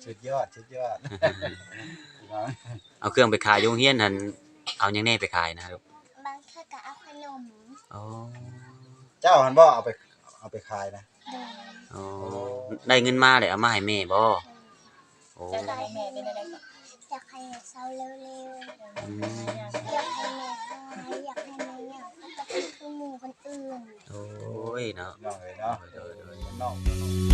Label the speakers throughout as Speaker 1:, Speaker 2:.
Speaker 1: สุดยอด
Speaker 2: เอาเครื่องไปขายโรงเรียนหั่นเอาหยังแน่ไปขายนะครับ
Speaker 3: บางเทื่อก็เอาขนม
Speaker 2: อ๋อ
Speaker 1: เจ้าหันบ่เอาไปขายนะ
Speaker 2: อ๋อได้เงินมาได้เอามาให้แม่บ่โอ้
Speaker 4: จะได้แม่เป็นอะไรก่อน
Speaker 3: อยากให้เศร้าเร็วๆอยากให้แม่หายอยากให้แม่อยากจะเป็นคือหมู่คนอื่น
Speaker 2: โอ้ยเนาะ
Speaker 1: น้องเลยเนาะน้อง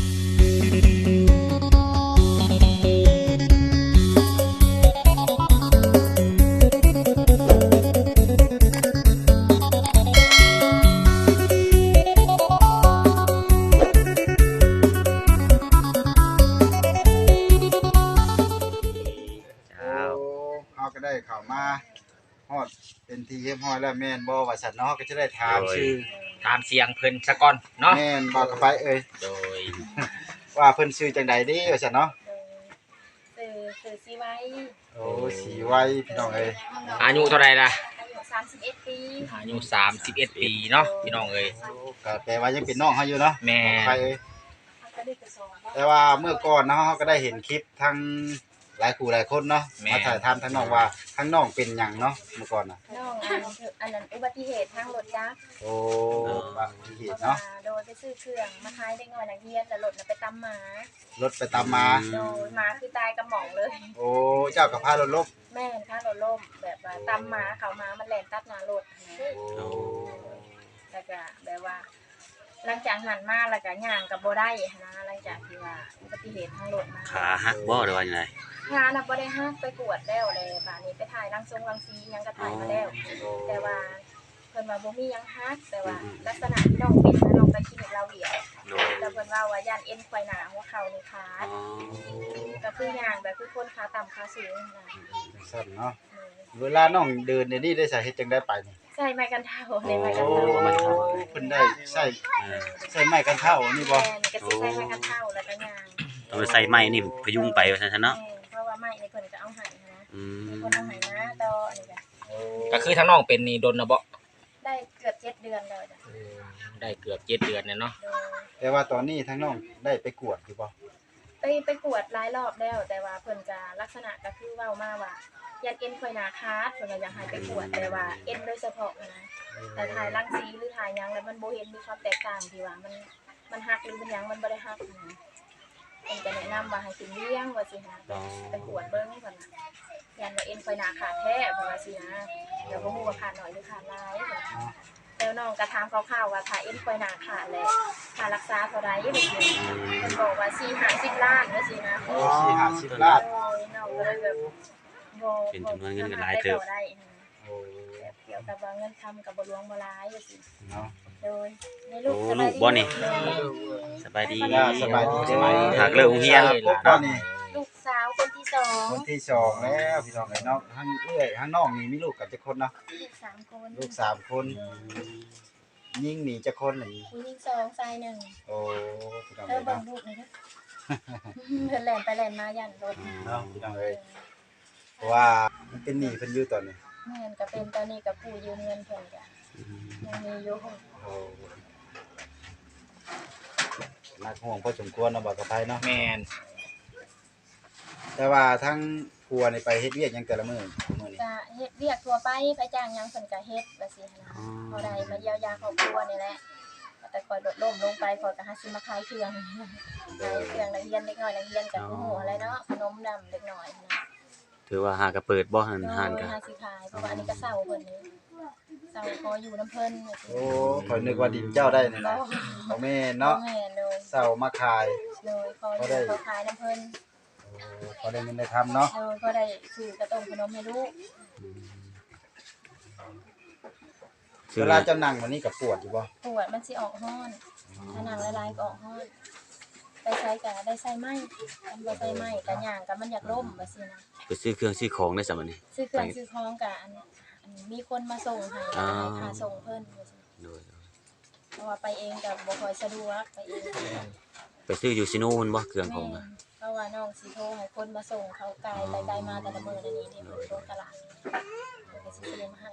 Speaker 1: ก็ได้ข่าวมาฮอดเป็นทีเรียบร้อยแล้วแม่นบ่ว่าซั่นเนาะก็จะได้ถามชื่อ
Speaker 5: ถามเสียงเพิ่นซะก่อนเนาะ
Speaker 1: แม่นบ่เข้าไปเอ้ย
Speaker 5: โดย
Speaker 1: ว่าเพิ่นชื่อจังใดเด้ว่าซั่นเนาะ
Speaker 4: สื่อสิไว้
Speaker 1: โอ้สีไว้พี่น้องเอ้ย
Speaker 5: อายุเท่าไหร่ล่ะ
Speaker 4: อายุ31ปี
Speaker 5: อายุ31ปีเนาะพี่น้องเอ้ย
Speaker 1: ก็แปลว่ายังเป็นน้องเฮาอยู่เนาะ
Speaker 5: แม่
Speaker 1: ไปแต่ว่าเมื่อก่อนเนาะเฮาก็ได้เห็นคลิปทั้งหลายคู่หลายคนเนาะมาถ่ายทำทั้งน้องว่าทั้งน้องเป็นหยังเนาะเมื่อก่อนน่ะ
Speaker 4: น้องอันนั้นอุบัติเหตุทางรถจักร
Speaker 1: โอ้อุบัติเหตุเนาะ
Speaker 4: โดยไปซื้อเครื่องมาขายเด็กน้อยนักเรียนแล้วรถน่ะไปตำหมาร
Speaker 1: ถไปตามมา
Speaker 4: โดยหมาคือตายกระหม่องเลย
Speaker 1: โอ้เจ้าก็พารถล้ม
Speaker 4: แม่นพารถล้มแบบว่าตำหมาเขามามันแล่นตัดหน้ารถ
Speaker 1: โอ้
Speaker 4: แล้วก็แบบว่าหลังจากหันมาแล้วก็ย่างกับบ่ได้นะหลังจากที่ว่าอุบัติเหตุทางรถมา
Speaker 2: ขาหักบ่หรือว่าจังได๋
Speaker 4: งานน่ะบ่ได้ฮักไปกวดแล้วเลยบัดนี้ไปถ่ายรังสีหยังก็ถ่ายมาแล้วแต่ว่าเพิ่นว่าบ่มีหยังฮักแต่ว่าลักษณะที่น้องเป็นนะน้องไปคลินิกลาวเวียแต่เพิ่นว่าย่านเอ็นไขว้หน้าหัวเข่านี่ขาดก็คือย่างแบบคือคนขาต่ำขาสูงนะ
Speaker 1: สั่นเนาะเวลาน้องเดินนี่ได้ใส่เฮ็ดจังได้ไปนี่
Speaker 4: ใส่ไม้กันเท้าในไม้กันเท้า
Speaker 1: เพิ่นได้ใส่ไม้กันเท้านี่บ่
Speaker 4: ก็สิใส่ไม้กันเท้าแล้วก็ย่าง
Speaker 2: ต้องใส่ไม้นี่พยุงไปว่าซั่นเนาะ
Speaker 4: เพราะว่าไม้นี่เพิ่นก็เอาให้นะคนเอาให้นะต่อนี่
Speaker 5: ก็คือทั้งน้องเป็นนี่ดนนะบ่
Speaker 4: ได้เกือบ7เดือนแล้วจ้ะ
Speaker 5: ได้เกือบ7เดือนเนาะ
Speaker 1: แต่ว่าตอนนี้ทั้งน้องได้ไปกวดอยู่บ่
Speaker 4: ไปกวดหลายรอบแล้วแต่ว่าเพิ่นก็ลักษณะก็คือเว้ามาว่ายันเอ็นไขว้หน้าขาดเพิ่นก็อยากให้ไปกวดแต่ว่าเอ็นโดยเฉพาะนะแต่ถ่ายรังสีหรือถ่ายหยังแล้วมันบ่เห็นมีความแตกต่างที่ว่ามันหักหรือมันหยังมันบ่ได้หักนะเพิ่นก็แนะนำว่าให้กินเลี้ยงว่าสิฮะไปกวดเบิ่งเพิ่นน่ะยันว่าเอ็นไขว้หน้าขาดแท้เพิ่นว่าสินะเดี๋ยวบ่ฮู้ว่าขาดน้อยหรือขาดหลายแล้วน้องก็ถามคร่าวๆว่าถ้าเอ็นไขว้หน้าขาดแล้วค่ารักษาเท่าใดบ่สิเพิ่นบอกว่า4-50 ล้านว่าสินะ
Speaker 1: โอ้4-50ล้าน
Speaker 4: น้องก็เลยแบบ
Speaker 2: เป็นจำนวนเงินก็หลายเติบ
Speaker 1: โอ้
Speaker 4: เกี่ยวกับว่าเงินทำกับบ่หลวงบ่หลายจังซี่
Speaker 1: เนาะ
Speaker 4: โดยในลูก
Speaker 2: โอ้ลูกบ่นี่สบายดี
Speaker 1: สบายดี
Speaker 2: หากเลิกโรงเรียน
Speaker 1: บ่นี่
Speaker 4: ลูกสาวคนที่2
Speaker 1: คนที่2แล้วพี่น้องไอ้น้องทั้งเอื้อยทั้งน้องนี่มีลูกกันจักคนเนาะ
Speaker 4: ลูก3คน
Speaker 1: ลูก3คนยิ่งมีจักคนนี่
Speaker 4: ผู้หญิง2ชาย1
Speaker 1: โอ้พี่น้อง
Speaker 4: เบิ่งลูกนี่เด้อเพิ่นแล่นไปแล่นมาย่านรถ
Speaker 1: เนาะพี่น้องเอ้ยเพราะว่ามันเป็นหนี้เพิ่นอยู่ตอนนี้
Speaker 4: แม่นก็เป็นตอนนี้ก็ผู้ยืมเงินเพิ่นก็ยังมีอยู่
Speaker 1: โอ้นักห่วงพอสมควรเนาะบ่กับไผเนาะ
Speaker 5: แม่น
Speaker 1: แต่ว่าทั้งครัวนี่ไปเฮ็ดเวียกหยังแต่ละมื้อนี่
Speaker 4: ก็เฮ็ดเวียกทั่วไปไปจ้างหยังเพิ่นก็เฮ็ดว่าซี่นะพอได้มาเยียวยาครอบครัวนี่แหละแต่ก่อนลดล้มลงไปข่อยก็หาซื้อมาขายเครื่องขายเครื่องนักเรียนเด็กน้อยนักเรียนก็ฮู้อะไรเนาะขนมดำเด็กน้อยนะ
Speaker 2: ถือว่าหากระเปิดบ่หันหันก็
Speaker 4: หาสิขายเพราะว่าอันนี้ก็เซาเพิ่นนี่เซาพออยู่น้ำเพิ่น
Speaker 1: โอ้ข่อยนึกว่าดินเจ้าได้นี่นะบ่แม่นเนาะ
Speaker 4: แม่นเลย
Speaker 1: เซามาขาย
Speaker 4: เลยพอได้เขาขายน้ำเพิ่น
Speaker 1: โอ้พอได้เงินได้ทำเนาะ
Speaker 4: พอได้ซื้อกระต้มขนมให้ลูก
Speaker 1: เวลาจะนั่งวันนี้ก็ปวดอยู่บ่
Speaker 4: ปวดมันสิออกฮ้อนถ้านั่งหลายๆก็ออกฮ้อนไปใช้ก็ได้ใส่ไม้มันบ่ใส่ไม้ก็ย่างก็มันอยากล้มว่าซี่นะ
Speaker 2: ไปซื้อเครื่องซื้อของได้ซะบัดนี้
Speaker 4: ซื้อเครื่องซื้อของก็อันมีคนมาส่งให้ค่าส่งเพิ่นว่าซี่โดยเพราะว่าไปเองก็บ่ค่อยสะดวกไปเอง
Speaker 2: ไปซื้ออยู่ซิโนมันบ่เครื่องของอ่ะ
Speaker 4: เพราะว่าน้องสิโทรให้คนมาส่งเขาไกลไปไกลมาแต่ละมื้อนี่นี่โรงตลาดก็สิซื้อมาให้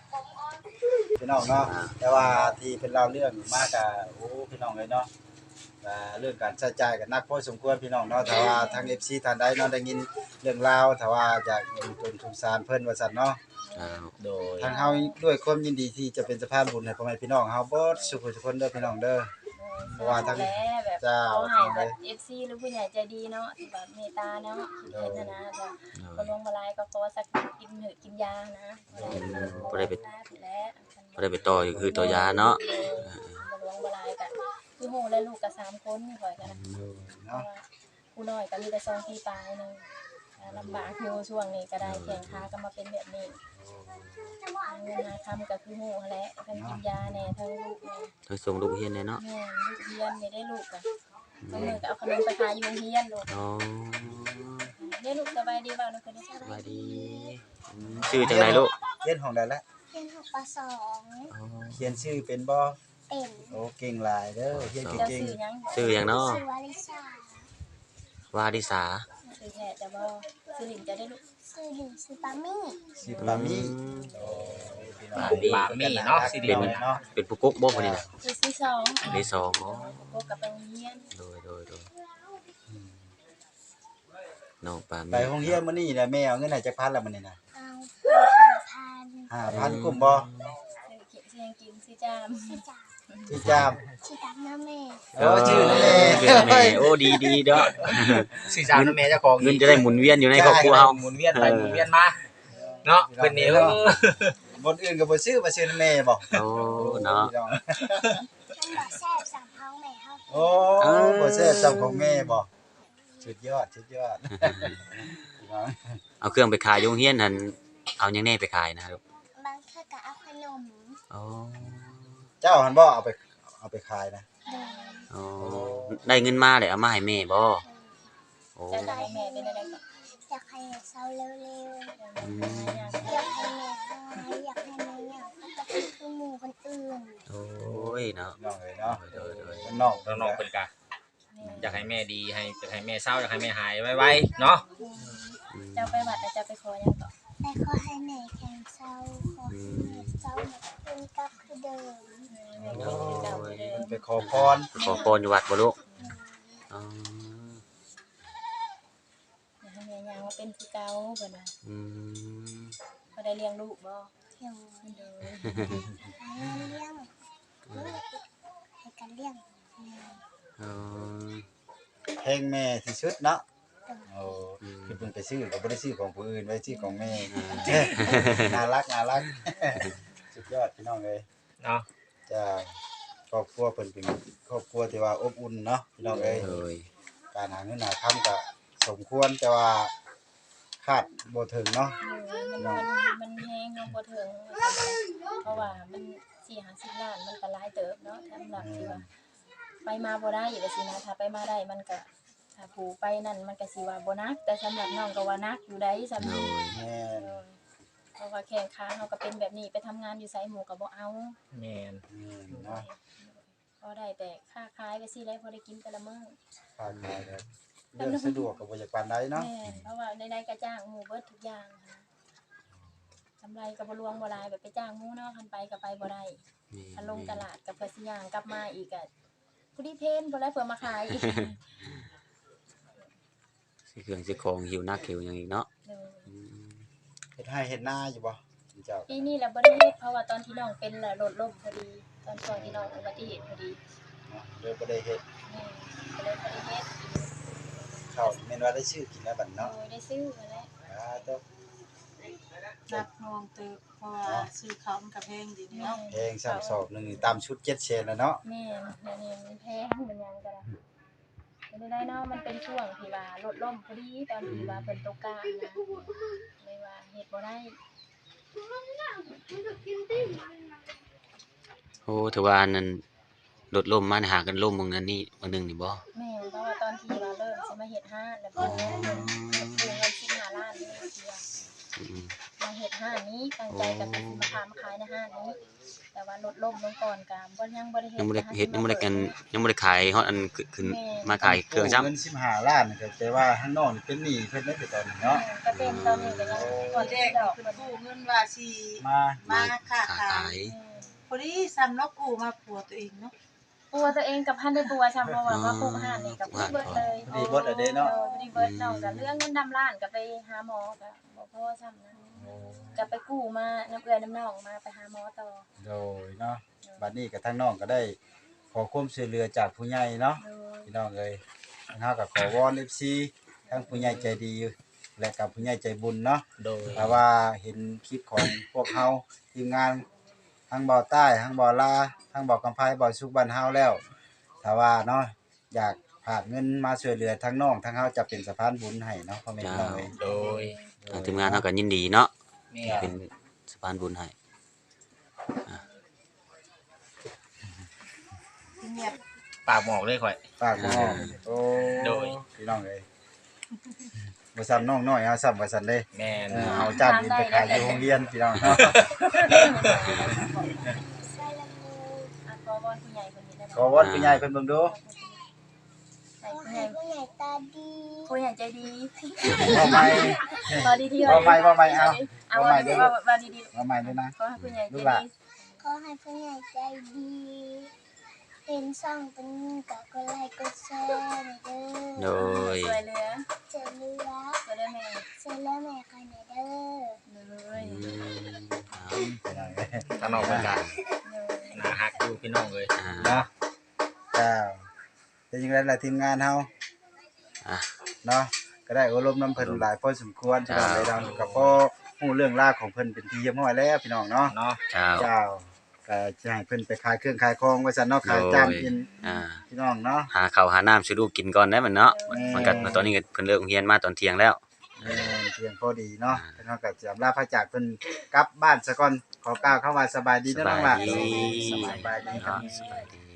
Speaker 1: พี่น้องเนาะแต่ว่าที่เป็นเล่าเรื่องมากกะโอ้พี่น้องเลยเนาะเรื่องการใช้จ่ายก็หนักพอสมควรพี่น้องเนาะถ้าว่าทาง FC ท่านใดเนาะได้ยินเรื่องราวถ้าว่าอยากอุดหนุนสงสารเพิ่นว่าซั่นเนาะ
Speaker 5: โดย
Speaker 1: ทางเฮาด้วยความยินดีที่จะเป็นสะพานบุญให้พ่อแม่พี่น้องเฮาเบิดสุขทุกคนเด้อพี่น้องเด้อ เพราะว่าทั้ง
Speaker 4: แล้วแบบ
Speaker 1: เจ้า
Speaker 4: เขาให้แบบ FC หรือผู้ใหญ่ใจดีเนาะที่แบบเมตตาเนาะคิดเห็นนะจ้ะคนลงมาลายก็ขอสักกินเหือะกินยานะบ่ได้ไปแล้ว
Speaker 2: บ่ได้ไปต่ออยู่คือต่อยาเนาะ
Speaker 4: มาลงมาลายก็คือโหและลูกก็3คนข่อยกันนะ
Speaker 1: เนาะ
Speaker 4: ผู้น้อยก็มีแต่2ปีปลายนึงลำบากอยู่ช่วงนี้ก็ได้แข่งขาก็มาเป็นแบบนี้เงินหาคำก็คือโหแหละทั้งกินยาแน่ทั้งลูกแน่
Speaker 2: ทั้งส่งลูกเรียนเลยเนาะ
Speaker 4: แม่ลูกเรียนไม่ได้ลูกอ่ะบางมื้อก็เอาขนมไปขายอยู่โรงเรียนลูก
Speaker 2: อ๋อ
Speaker 4: ได้ลูกสบายดีบ่าวนะคนนี้
Speaker 2: สบายดีชื่อจังไดลูก
Speaker 1: เรียนของใดแล้ว
Speaker 3: เรียน6ป .2
Speaker 2: อ๋อ
Speaker 1: เขียนชื่อเป็นบ่
Speaker 3: เป็น
Speaker 1: โอ้เก่งหลายเด้อเขียน
Speaker 4: เจ้า
Speaker 1: เก่ง
Speaker 4: สื่อยัง
Speaker 2: ชื่อหยังเนาะ
Speaker 3: ชื่อวาริชาว
Speaker 2: าดิสา
Speaker 4: สื่อแท้จะบ่สื่อหลิงจะได้ลูก
Speaker 3: ชื่อหนึ่งชื่อปามี่
Speaker 1: ๆชื่อปามี่โอ้พี่น้อง
Speaker 5: บามีเนาะสิเดียว
Speaker 1: เนาะ
Speaker 2: เป็นผู้กุ๊กบ่พุ่นนี่น่ะ
Speaker 4: สื่อที่สอง
Speaker 2: อันที่สองอ๋อ
Speaker 4: พบกับไปโรงเรียน
Speaker 2: โดยน้องปา
Speaker 1: ไป
Speaker 2: มี
Speaker 1: โรงเรียนมื้อนี้น่ะแม่เอาเงินให้จักพันแล้วมื้อนี้น่ะ
Speaker 3: เอา5,000
Speaker 1: 5,000กุ้มบ่
Speaker 4: สื่อเขียนเสียงกินสื่อจาม
Speaker 3: ชื่อจ่า
Speaker 1: ที่จาม
Speaker 3: ชื่อตักน้าแม่
Speaker 1: โอ้ชื่อนั่นแหละ
Speaker 2: ชื่อแม่โอ้ดีเด้อ
Speaker 5: สื่อสารกับแม่เจ้าของ
Speaker 2: เงินจะได้หมุนเวียนอยู่ในครอบครัวเฮา
Speaker 5: หมุนเวียนไปหมุนเวียนมาเนาะเป็นนี่
Speaker 1: บนอื่นก็บ่ซื้อมาซื้อแม่บ่
Speaker 2: โอ้เนาะ
Speaker 1: พี่อง
Speaker 3: มันบอกแซ่บสั่งท้องแม่เขา
Speaker 1: โอ้บ่แซ่บจำของแม่บ่สุดยอดพี่น้อง
Speaker 2: เอาเครื่องไปขายโรงเรียนนั่นเอาหยังแน่ไปขายนะครับ
Speaker 3: บางเทื่อก็เอาขนม
Speaker 2: อ๋อ
Speaker 1: เจ้าหันบ่เอาไปขายนะ
Speaker 3: เดิน
Speaker 2: อ๋อได้เงินมาเลยเอามาให้แม่บ่โอ้
Speaker 4: จะได้แม่เป็นอะไรก็
Speaker 3: อยากให้เศร้าเร็ว
Speaker 2: อืม
Speaker 3: ๆอยากให้แม่หายอยากให้แม่เนี่ยก็เป็นคือหมู่คนอื่น
Speaker 2: โอ้ยเนาะ
Speaker 1: น้องเอ้ยเนาะ
Speaker 2: โดย
Speaker 1: น้อง
Speaker 5: น้องๆเพิ่นกะอยากให้แม่ดีอยากให้แม่เศร้าอยากให้แม่หายไวๆเนาะ
Speaker 2: อืม
Speaker 4: เจ้าไปวัดแล้วจะไปขอยังก็
Speaker 3: แต่ขอให้แม่แข็งเศร้าขอให้แม่เศร้าเป็นกลับคือเดิม
Speaker 4: แม่ก็คือเก่าเดิม
Speaker 1: ไปขอพร
Speaker 2: ขอพรอยู่วัดบ่ลูกอ๋อ
Speaker 4: อยากให้แม่ยังมาเป็นคือเก่าเพิ่นว่า
Speaker 2: อืม
Speaker 4: บ่ได้เลี้ยงลูกบ่
Speaker 3: เที่ยว
Speaker 4: เด้อ
Speaker 3: ให้เลี้ยงให้กันเลี้ยง
Speaker 2: อ๋อ
Speaker 1: เพลงแม่ที่สุดเนาะโอ้คือเพิ่นไปซื้อก็บ่ได้ซื้อของผู้อื่นไว้ซื้อของแม่น่ารักสุดยอดพี่น้องเอ้ย
Speaker 5: เนาะ
Speaker 1: จ้าครอบครัวเพิ่นเป็นครอบครัวที่ว่าอบอุ่นเนาะพี่น้องเอ้ย
Speaker 2: โดย
Speaker 1: การหาเงินหาค่ำก็สมควรแต่ว่าคาดบ่ถึงเนาะ
Speaker 4: มันแฮงลงบ่ถึงเพราะว่ามัน4-50ล้านมันก็หลายเติบเนาะสำหรับที่ว่าไปมาบ่ได้อยู่ว่าสินะถ้าไปมาได้มันก็ถ้าผู้ไปนั่นมันก็สิว่าบ่นักแต่สำหรับน้องก็ว่านักอยู่ได้สำห
Speaker 2: โด
Speaker 4: รับ
Speaker 2: ย
Speaker 1: แม่น
Speaker 4: เพราะว่าแข่งขาเฮาก็เป็นแบบนี้ไปทำงานอยู่ไสหมู่ก็บ่เอา
Speaker 5: แม่น
Speaker 1: เนาะ
Speaker 4: พอได้แต่ค่าขายไปสิได้พอได้กินแต่ละมื้อ
Speaker 1: ค่าขายก็เรื่องสะดวกก็บ่อยากปานใดเนาะ
Speaker 4: แม่นเพราะว่าใดๆก็จ้างหมู่เบิดทุกอย่างค่ะกำไรก็บ่รวงบ่หลายแบบไปจ้างหมู่เนาะคันไปก็ไปบ่ได้คันลงตลาดก็เพื่อสิย่างกลับมาอีกก็ผู้ดีเพนบ่ได้เพื่อมาขายอีก
Speaker 2: สิเครื่องสิของหิวนักหิวหยังอีกเนาะ
Speaker 4: เออ
Speaker 2: อืม
Speaker 1: เฮ็ดให้เฮ็ดหน้าอยู่บ่เจ้า
Speaker 4: ปีนี้แหละบ่ได้เฮ็ดเพราะว่าตอนที่น้องเป็นน่ะรถล้มพอดี ตอนช่วงที่น้องอุบัติเหตุพอดี
Speaker 1: เนาะเลยบ่ได้เฮ็ด
Speaker 4: แม่ก็เลยบ่ได้เฮ็ด
Speaker 1: ข้าวแม่นว่าได้ชื่อกินแล้วบัด
Speaker 4: โด
Speaker 1: เนาะ
Speaker 4: ยได้ซื้อมาแล้ว
Speaker 1: ตัว
Speaker 6: นักนวงตึกเพราะว่าซื้อเขามันกับเพลงดีเนาะ
Speaker 1: เพลงซ้ำสอบหนึงนี่ตามชุด7เชนแล้วเนาะ
Speaker 4: แม่เดี๋ยวนี้มันแพงมันหยังก็ได้ไม่ได้เนาะมันเป็นช่วงที่ว่ารถล้มพอดีตอนที่ว่าเพิ่นตกกลางนะเลยว่าเฮ็ดบ่ได้
Speaker 2: โอ้ถือว่าอันนั้นรถล่มมาหากันล่มบางนั้นนี่บางนึงนี่บ่
Speaker 4: แม่เพราะว่าตอนที่ว่าเริ่มสิมาเฮ็ดห้านแล้วเพิ่นเงิน15ล้านนี่เสีย
Speaker 2: อืม
Speaker 4: มาเฮ็ดห้านนี้ตั้งใจก็คือสิมาพามาขายในห้านนี้ แต่ว่ารถล้มลงก่อนก็บ่ยังบ่ได้เฮ็ด
Speaker 2: ยังบ่ได้เฮ็ดยังบ่ได้กันยังบ่ได้ขายฮอดอันขึ้นมาขายเครื่องซ้ำ
Speaker 1: เงิน15ล้านนี่ก็แปลว่าข้างนอกนี่เป็นหนี้เพิ่นได้แต่ตอนนี้เนาะ
Speaker 4: ก็เป็นตอนนี้ก็ยังก่อน
Speaker 6: แร
Speaker 4: ที่
Speaker 6: ก
Speaker 4: ดอก
Speaker 6: คือ
Speaker 4: เพิ่น
Speaker 6: กู้เงินว่าสิ
Speaker 1: มา
Speaker 6: มาค้า
Speaker 2: ขา
Speaker 6: ขาย
Speaker 2: ย
Speaker 6: พอดีซ้ำเนาะกู้มาผัวตัวเองเนาะ
Speaker 4: ปัวตัวเองกับพันได้ปัวชำเพราะว่าปลูกห่านนี่กับเบิดเลย
Speaker 1: ดีเบิดอะเด้เนาะ
Speaker 4: บ่ได้เบิดน้องก็เรื่องเงินดำล้านก็ไปหาหมอก็บ่พอซ้ำนั้นก็ไปกู้มาน้ำเอื้อยน้ำน้องมาไปหาหมอต่อ
Speaker 1: โดยเนาะบัดนี้ก็ทั้งน้องก็ได้ขอความช่วยเหลือจากผู้ใหญ่เนาะ
Speaker 4: โดย
Speaker 1: พี่น้องเอ้ยทางเฮาก็ขอวอน FC ทั้งผู้ใหญ่ใจดีและกับผู้ใหญ่ใจบุญเนาะ
Speaker 5: โดย
Speaker 1: ถ้าว่าเห็นคลิปของพวกเฮาทีมงานทั้งบ่าวใต้ทั้งบ่าวลาทั้งบ่าวกำไพบ่าวสุขบ้านเฮาแล้วถ้าว่าเนาะอยากฝากเงินมาช่วยเหลือทั้งน้องทั้งเฮาจะเป็นสะพานบุญให้เนาะพ่อแม่พี่น้องเอ้ย
Speaker 5: โดย
Speaker 2: ทางทีมงานเฮาก็ยินดีเนาะ
Speaker 5: แม่
Speaker 2: เป็นสะพานบุญให้
Speaker 6: เงียบ
Speaker 5: ปากหมอกเลยข่อย
Speaker 1: ฝากน้องโอ้
Speaker 5: โดย
Speaker 1: พี่น้องเอ้ยบ่ซ้ำน้องน้อยเฮาซ้ำว่าซั่นเด้
Speaker 5: แม่น
Speaker 1: เอาจานดินไปขายอยู่โรงเรียนพี่น้องเนาะ
Speaker 3: ใส่ละมือ
Speaker 4: อ่ะขอวอนผู้ใหญ่คนนี้ได้ไหม
Speaker 1: ขอวอนผู้ใหญ่เพิ่นเบิ่งดู
Speaker 4: ให้
Speaker 3: ขอ
Speaker 4: ผู้ให
Speaker 3: ให้
Speaker 4: ญ่
Speaker 3: ผู้ใหญ่ตาดี
Speaker 4: ผู้ใหญ่ใจดี
Speaker 1: เอาใหม่
Speaker 4: พอดีที่
Speaker 1: ว่าไม่ว่าไม่เอา
Speaker 4: เอา
Speaker 1: ว่า
Speaker 4: ว่า
Speaker 1: ไม่
Speaker 4: ว่าดี
Speaker 1: เอาใหม่ด้วยนะ
Speaker 4: ๆขอให้ผู้ใหญ่ใจ
Speaker 1: ลูกหลาน
Speaker 4: ดี
Speaker 3: ขอให้ผู้ใหญ่ใจดีเป็นซ่องเป็นกับกดไลค์กดแชร์เด้
Speaker 2: โด
Speaker 3: อย
Speaker 4: สวยเหลือ
Speaker 3: เจอเรือ
Speaker 4: สวยเด้อแม่
Speaker 3: เจอแล้วแม่ใครไหนเด้อ
Speaker 4: เลย
Speaker 1: พี่น้องเอ้ย
Speaker 5: ทางนอกเหมือนกัน
Speaker 4: เลย
Speaker 5: น่าฮักอยู่พี่น้องเลย
Speaker 1: เนาะเจ้าเป็นยังไงล่ะทีมงานเฮา
Speaker 2: อ่ะ
Speaker 1: เนาะก็ได้อบรมน้ำเพิ่นหลายพอสมควรพี่น้องเลยเราก็พอฮู้เรื่องราวของเพิ่นเป็นที่เรียบร้อยแล้วพี่น้องเนาะ
Speaker 5: เนาะ
Speaker 2: เจ้า
Speaker 1: เจ้าก็จะให้เพิ่นไปขายเครื่องขายของไว้ซั่นเนาะขายจานกิน
Speaker 2: อ่า
Speaker 1: พี่น้องเนาะ
Speaker 2: หาข้าวหาน้ำช่วยลูกกินก่อนได้มันเนาะ
Speaker 1: แม่
Speaker 2: มันก็ตอนนี้ก็เพิ่นเลิกโรงเรียนมาตอนเที่ยงแล้ว
Speaker 1: เพียงพอดีเนาะเพิ่นเฮาก็จะลาพระจากเพิ่นกลับบ้านซะก่อนขอกล่าวคำว่าสบายดี
Speaker 2: ส
Speaker 1: เด้อน้
Speaker 2: บา
Speaker 1: อง
Speaker 2: ย
Speaker 1: ล่ะ
Speaker 2: ดี
Speaker 1: สบายดีครับ
Speaker 2: สบายดี